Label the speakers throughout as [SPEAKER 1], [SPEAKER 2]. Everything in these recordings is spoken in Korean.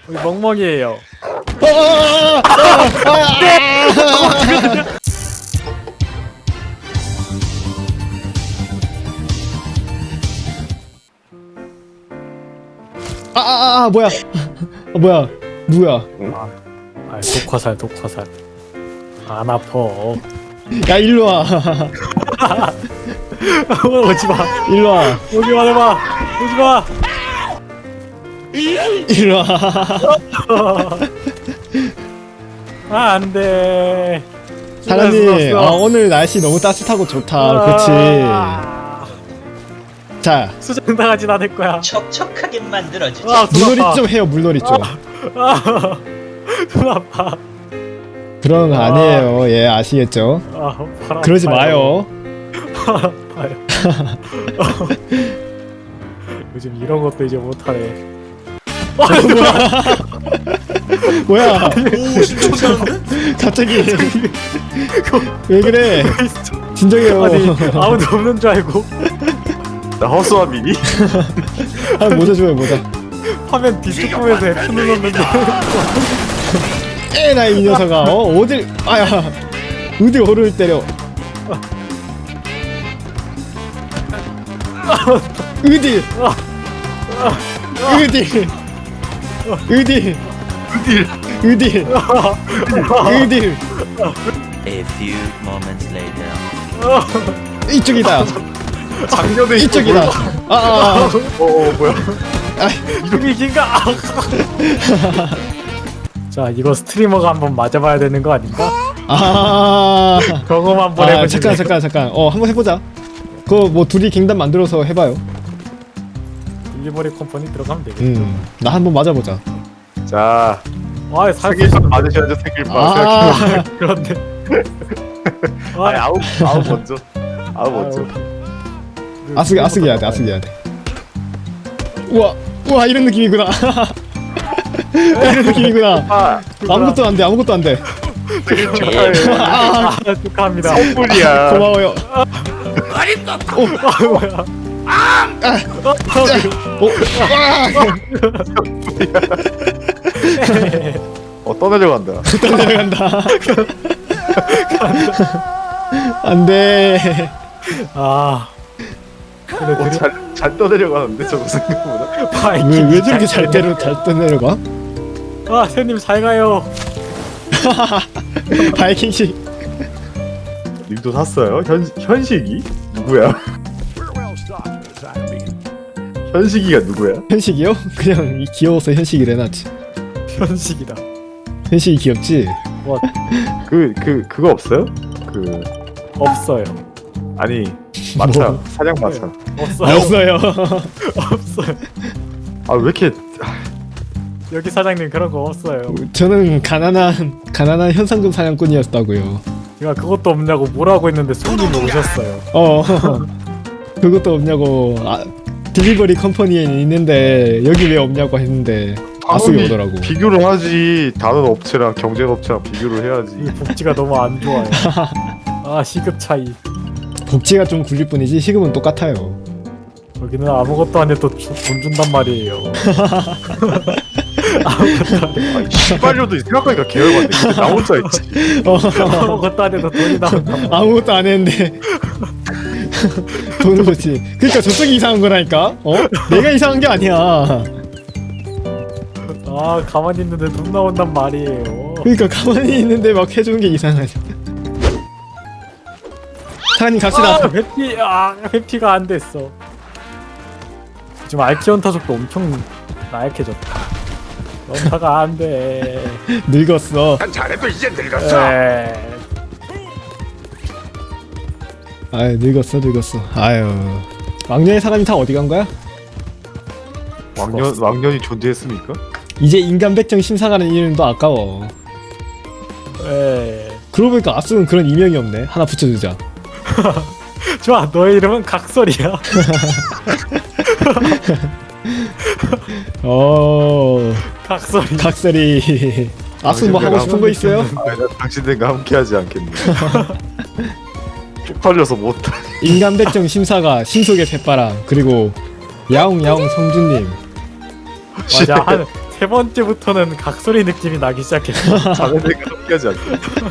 [SPEAKER 1] 우리 멍멍이에요.
[SPEAKER 2] 뭐야? 뭐야? 누구야?
[SPEAKER 1] 아, 독화살. 안 아파.
[SPEAKER 2] 야 일로 와.
[SPEAKER 1] 오지 마.
[SPEAKER 2] 일로 와.
[SPEAKER 1] 오지 마. 오지 마.
[SPEAKER 2] 일로 와.
[SPEAKER 1] 아, 안 돼.
[SPEAKER 2] 사장님, 오늘 날씨 너무 따뜻하고 좋다. 그렇지. 자,
[SPEAKER 1] 수정 당하진 않을 거야.
[SPEAKER 3] 촉촉하게 만들어주지.
[SPEAKER 2] 물놀이 좀 해요. 물놀이 좀.
[SPEAKER 1] 손 아파.
[SPEAKER 2] 그런 거 아니에요. 예, 아시겠죠?
[SPEAKER 1] 발
[SPEAKER 2] 그러지
[SPEAKER 1] 아파요.
[SPEAKER 2] 마요.
[SPEAKER 1] 아파요. 요즘 이런 것도 이제 못하네.
[SPEAKER 2] 뭐야? 갑자기 왜 그래? 진정해요.
[SPEAKER 1] 아니, 아무도 없는 줄 알고
[SPEAKER 4] 나 허수아비니?
[SPEAKER 2] 모자 줘요, 모자.
[SPEAKER 1] 화면 뒤쪽에서 F 눌렀는데.
[SPEAKER 2] 에나 이 녀석아. 어딜? 아야. 어디 어를 때려? 어디? 어디?
[SPEAKER 3] A few moments later.
[SPEAKER 2] 이쪽이다.
[SPEAKER 4] 작년에
[SPEAKER 2] 이쪽이다.
[SPEAKER 4] 뭐야?
[SPEAKER 1] 이름이 긴가? 자, 이거 스트리머가 한번 맞아봐야 되는 거 아닌가? 그거만 한번 해보시면.
[SPEAKER 2] 잠깐. 한번 해보자. 그거 뭐 둘이 갱단 만들어서 해봐요.
[SPEAKER 1] 일리버리 컴퍼니 들어가면 되겠죠.
[SPEAKER 2] 나 한번 맞아보자.
[SPEAKER 4] 자,
[SPEAKER 1] 아,
[SPEAKER 4] 세길판 맞으셔야죠. 세길판.
[SPEAKER 1] 그런데.
[SPEAKER 4] 아니 아우 먼저. 아우 먼저.
[SPEAKER 2] 아스기 해야 돼. 우와 이런 느낌이구나. 이런 느낌이구나. 아무것도 안 돼.
[SPEAKER 1] 축하합니다.
[SPEAKER 4] 선물이야.
[SPEAKER 2] 고마워요.
[SPEAKER 1] 뭐야?
[SPEAKER 4] 떠내려간다.
[SPEAKER 2] 내려간다. 안돼.
[SPEAKER 1] 근데
[SPEAKER 4] 잘 떠내려가는데 저거 생각보다.
[SPEAKER 2] 왜 저렇게 잘 떠내려가?
[SPEAKER 1] 새님 잘 가요.
[SPEAKER 2] 바이킹식.
[SPEAKER 4] 님도 샀어요? 현식이? 누구야? 현식이가 누구야?
[SPEAKER 2] 현식이요? 그냥 귀여워서 현식이래 놨지.
[SPEAKER 1] 현식이다.
[SPEAKER 2] 현식이 귀엽지?
[SPEAKER 4] 그거 없어요?
[SPEAKER 1] 없어요.
[SPEAKER 4] 아니 마차
[SPEAKER 2] 뭐?
[SPEAKER 4] 사냥 마차.
[SPEAKER 1] 없어요. 없어요.
[SPEAKER 4] 아 왜 이렇게
[SPEAKER 1] 여기 사장님 그런 거 없어요.
[SPEAKER 2] 저는 가난한 현상금 사냥꾼이었다고요.
[SPEAKER 1] 제가 그것도 없냐고 뭐라고 했는데 손님이 오셨어요.
[SPEAKER 2] 그것도 없냐고. 딜리버리 컴퍼니에 있는데 여기 왜 없냐고 했는데 아스이 오더라고.
[SPEAKER 4] 비교를 하지. 다른 업체랑 경쟁 업체랑 비교를 해야지.
[SPEAKER 1] 이 복지가 너무 안 좋아요. 시급 차이.
[SPEAKER 2] 복지가 좀 굴릴 뿐이지 시급은 똑같아요.
[SPEAKER 1] 여기는 아무것도 안 해도 돈 준단 말이에요.
[SPEAKER 4] 시발료도 생각하니까 계열받네. 나 혼자 있지.
[SPEAKER 1] 아무것도 안 해도 돈이 나온다.
[SPEAKER 2] 아무것도 안 했는데 돈을 줬지. 그러니까 저쪽이 이상한 거라니까. 내가 이상한 게 아니야.
[SPEAKER 1] 가만히 있는데 돈 나온단 말이에요.
[SPEAKER 2] 그러니까 가만히 있는데 막 해주는 게 이상하지. 사장님 갑시다.
[SPEAKER 1] 회피가 안 됐어. 지금 알키온 타석도 엄청 나약해졌다. 연타가 안 돼.
[SPEAKER 2] 늙었어.
[SPEAKER 4] 난 잘해도 이제 늙었어.
[SPEAKER 2] 아유 늙었어. 아유 왕년의 사람이 다 어디 간 거야?
[SPEAKER 4] 왕년이 존재했습니까?
[SPEAKER 2] 이제 인간 백정 심사가는 이름도 아까워. 그러고 보니까 아스는 그런 이명이 없네. 하나 붙여주자.
[SPEAKER 1] 좋아, 너의 이름은 각설이야. 각설이.
[SPEAKER 2] 아스 뭐 하고 싶은 거 있어요?
[SPEAKER 4] 나 당신들과 함께하지 않겠네. 쪽팔려서 못하.
[SPEAKER 2] 인간 백정 심사가 신속의 새바람 그리고 야옹 성준님.
[SPEAKER 1] 맞아, 한 세 번째부터는 각소리 느낌이 나기 시작했어.
[SPEAKER 4] 자네들과 함께하지 않게.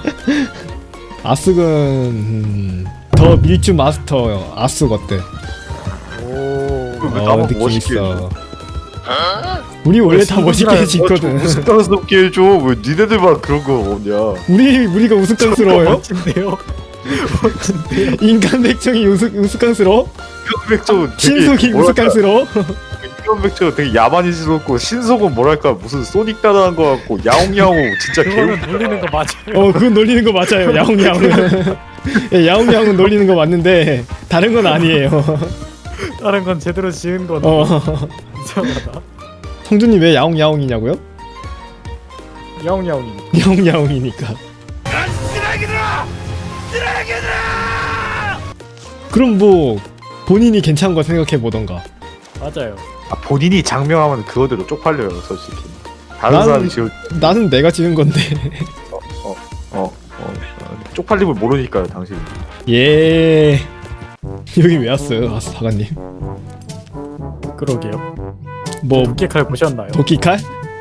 [SPEAKER 2] 아스군 더 밀주 마스터 아스 어때?
[SPEAKER 1] 오.
[SPEAKER 4] 나만
[SPEAKER 2] 느낌
[SPEAKER 4] 멋있게
[SPEAKER 2] 있어. 우리 원래 다 멋있게 짓거든.
[SPEAKER 4] 우스꽝스럽게 해줘. 왜 니네들만 그런 거 없냐?
[SPEAKER 2] 우리가 우스꽝스러워요?
[SPEAKER 1] 멋진데요? 멋진데요?
[SPEAKER 2] 인간 백정이 우스꽝스러워?
[SPEAKER 4] 백정은
[SPEAKER 2] 신속이 우스꽝스러워?
[SPEAKER 4] 인간 백정은 되게 야만이스럽고 신속은 뭐랄까 무슨 소닉 따라한 거 같고 야옹야옹 진짜 개운.
[SPEAKER 1] 그거는 놀리는 거 맞아요.
[SPEAKER 2] 그건 놀리는 거 맞아요. 야옹야옹은. 예, 야옹야옹은 놀리는 거 맞는데 다른 건 아니에요.
[SPEAKER 1] 다른 건 제대로 지은 건 이상하다.
[SPEAKER 2] 성준님 왜 야옹야옹이냐고요?
[SPEAKER 1] 야옹야옹이.
[SPEAKER 2] 야옹야옹이니까. 그럼 뭐 본인이 괜찮은 거 생각해 보던가.
[SPEAKER 1] 맞아요.
[SPEAKER 4] 본인이 장명하면 그거대로 쪽팔려요 솔직히. 다른 사람이 지을
[SPEAKER 2] 나는 내가 지은 건데.
[SPEAKER 4] 쪽팔림을 모르니까요 당신.
[SPEAKER 2] 예. 여기 왜 왔어요, 사관님?
[SPEAKER 1] 그러게요.
[SPEAKER 2] 뭐
[SPEAKER 1] 도끼칼 보셨나요?
[SPEAKER 2] 도끼칼?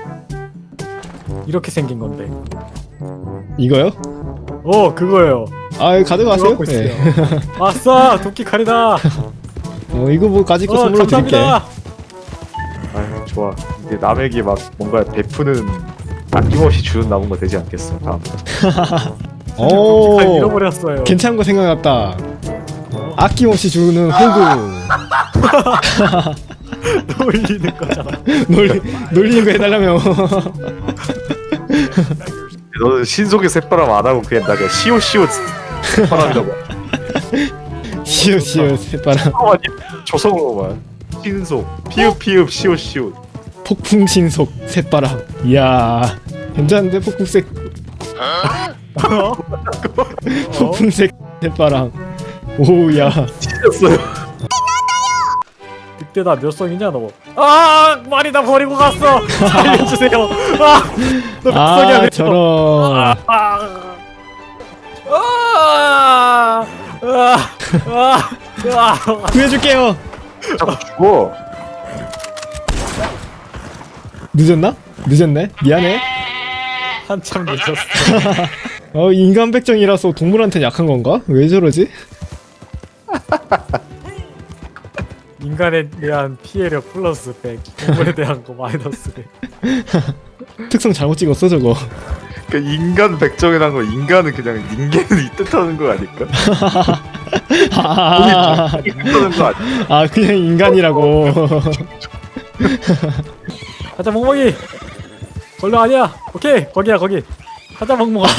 [SPEAKER 1] 이렇게 생긴 건데.
[SPEAKER 2] 이거요?
[SPEAKER 1] 그거예요.
[SPEAKER 2] 아, 가져가세요.
[SPEAKER 1] 갖고 있어요.
[SPEAKER 2] 네.
[SPEAKER 1] 아싸, 도끼칼이다.
[SPEAKER 2] 이거 뭐 가지고 선물로 드릴게.
[SPEAKER 1] 감사합니다.
[SPEAKER 4] 아유 좋아. 이제 남에게 막 뭔가 베푸는 아낌없이 주는 남은 거 되지 않겠어. 다음.
[SPEAKER 1] 도끼칼 잃어버렸어요.
[SPEAKER 2] 괜찮은 거 생각났다. 아낌없이 주는 호구.
[SPEAKER 1] 놀리는 거잖아.
[SPEAKER 2] 놀리는 거 해달라며.
[SPEAKER 4] 너는 신속의 새바람 안 하고 그냥 나 그냥 시오시오 새바람이라고.
[SPEAKER 2] 시오 새바람.
[SPEAKER 4] 조성으로만 신속 피읍 시오시오.
[SPEAKER 2] 폭풍 신속 새바람. 이야, 괜찮은데 폭풍색. 폭풍색 새바람. 오우야.
[SPEAKER 4] 찢었어요.
[SPEAKER 1] 늑대다 몇 성이냐 너? 말이 나 버리고 갔어. 살려주세요. 너 몇 성이야? 몇 성?
[SPEAKER 2] 저런. 구해줄게요.
[SPEAKER 4] 자꾸 죽어.
[SPEAKER 2] 늦었나? 늦었네. 미안해.
[SPEAKER 1] 한참 늦었어.
[SPEAKER 2] 인간 백정이라서 동물한테 약한 건가? 왜 저러지?
[SPEAKER 1] 인간에 대한 피해력 플러스 100, 동물에 대한 거 마이너스 100.
[SPEAKER 2] 특성 잘못 찍었어 저거.
[SPEAKER 4] 그 인간 백정이란 거 인간은 그냥 인간을 이 뜻하는 거 아닐까? 이 뜻하는 거 아니야?
[SPEAKER 2] 그냥 인간이라고.
[SPEAKER 1] 가자 멍멍이. 걸려 아니야. 오케이 거기야 거기. 가자 멍멍아.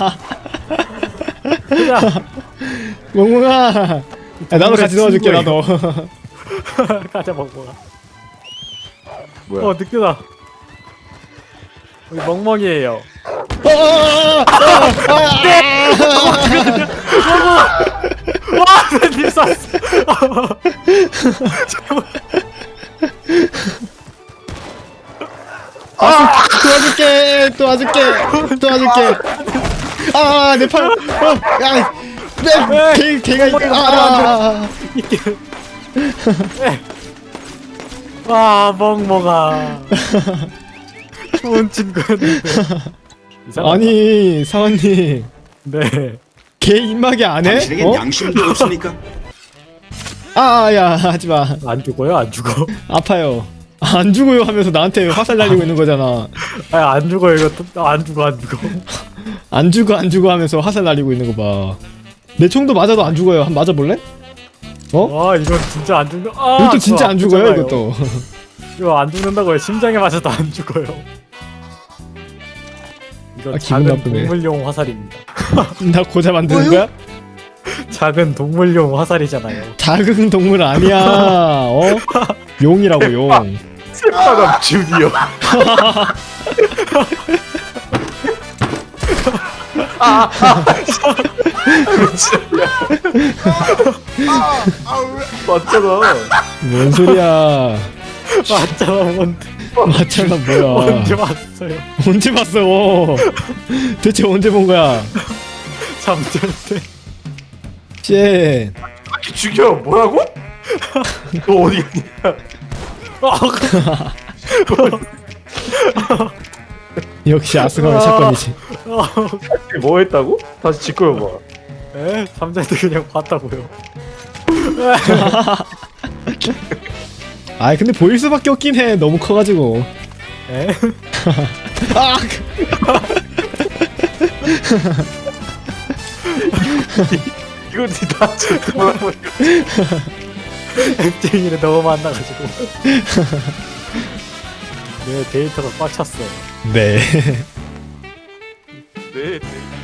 [SPEAKER 1] 가자.
[SPEAKER 2] 멍멍아. 나도 같이 도와줄게 나도.
[SPEAKER 1] 가자 멍멍아.
[SPEAKER 4] 뭐야?
[SPEAKER 1] 늑대다. 우리 멍멍이에요. 와, 님 쐈어.
[SPEAKER 2] 도와줄게. 내 팔. 걔가
[SPEAKER 1] 와, 멍멍아. 좋은 친구였는데. 이상하다.
[SPEAKER 2] 아니 사관님,
[SPEAKER 1] 네.
[SPEAKER 2] 걔 입마개 안 해?
[SPEAKER 5] 당신에겐 양심도 없습니까?
[SPEAKER 2] 야 하지마.
[SPEAKER 1] 안 죽어요? 안 죽어?
[SPEAKER 2] 아파요. 안 죽어요 하면서 나한테 화살 날리고 있는 거잖아.
[SPEAKER 1] 안 죽어 이거. 안 죽어.
[SPEAKER 2] 안 죽어 하면서 화살 날리고 있는 거 봐. 내 총도 맞아도 안 죽어요. 한번 맞아볼래?
[SPEAKER 1] 와, 이건 진짜 안 죽는.
[SPEAKER 2] 이것도 진짜 안 죽어요.
[SPEAKER 1] 아프잖아요.
[SPEAKER 2] 이것도.
[SPEAKER 1] 이거 안 죽는다고요. 심장에 맞아도 안 죽어요. 이거
[SPEAKER 2] 기분
[SPEAKER 1] 작은
[SPEAKER 2] 나쁘네.
[SPEAKER 1] 동물용 화살입니다.
[SPEAKER 2] 나 고자 만드는 거야?
[SPEAKER 1] 작은 동물용 화살이잖아요.
[SPEAKER 2] 작은 동물 아니야. 용이라고 용.
[SPEAKER 4] 새바람 주니어. 맞잖아.
[SPEAKER 2] 뭔 소리야?
[SPEAKER 1] 맞잖아, 뭔데?
[SPEAKER 2] 맞잖아 뭐야?
[SPEAKER 1] 언제 봤어요?
[SPEAKER 2] 언제 봤어? 대체 언제 본 거야?
[SPEAKER 1] 잠잘 때.
[SPEAKER 2] 쉣.
[SPEAKER 4] 죽여 뭐라고? 너 어디 갔냐?
[SPEAKER 2] 역시 아스가의 사건이지.
[SPEAKER 4] 뭐 했다고? 다시 짚고해봐.
[SPEAKER 1] 에? 삼자한테 그냥 봤다고요.
[SPEAKER 2] 아 근데 보일 수밖에 없긴 해. 너무 커가지고.
[SPEAKER 1] 에?
[SPEAKER 2] 아!
[SPEAKER 4] 이거 다 짚고
[SPEAKER 1] 앱쟁이를 너무 만나가지고. 내 데이터가 꽉 찼어.
[SPEAKER 2] 네.
[SPEAKER 4] 네.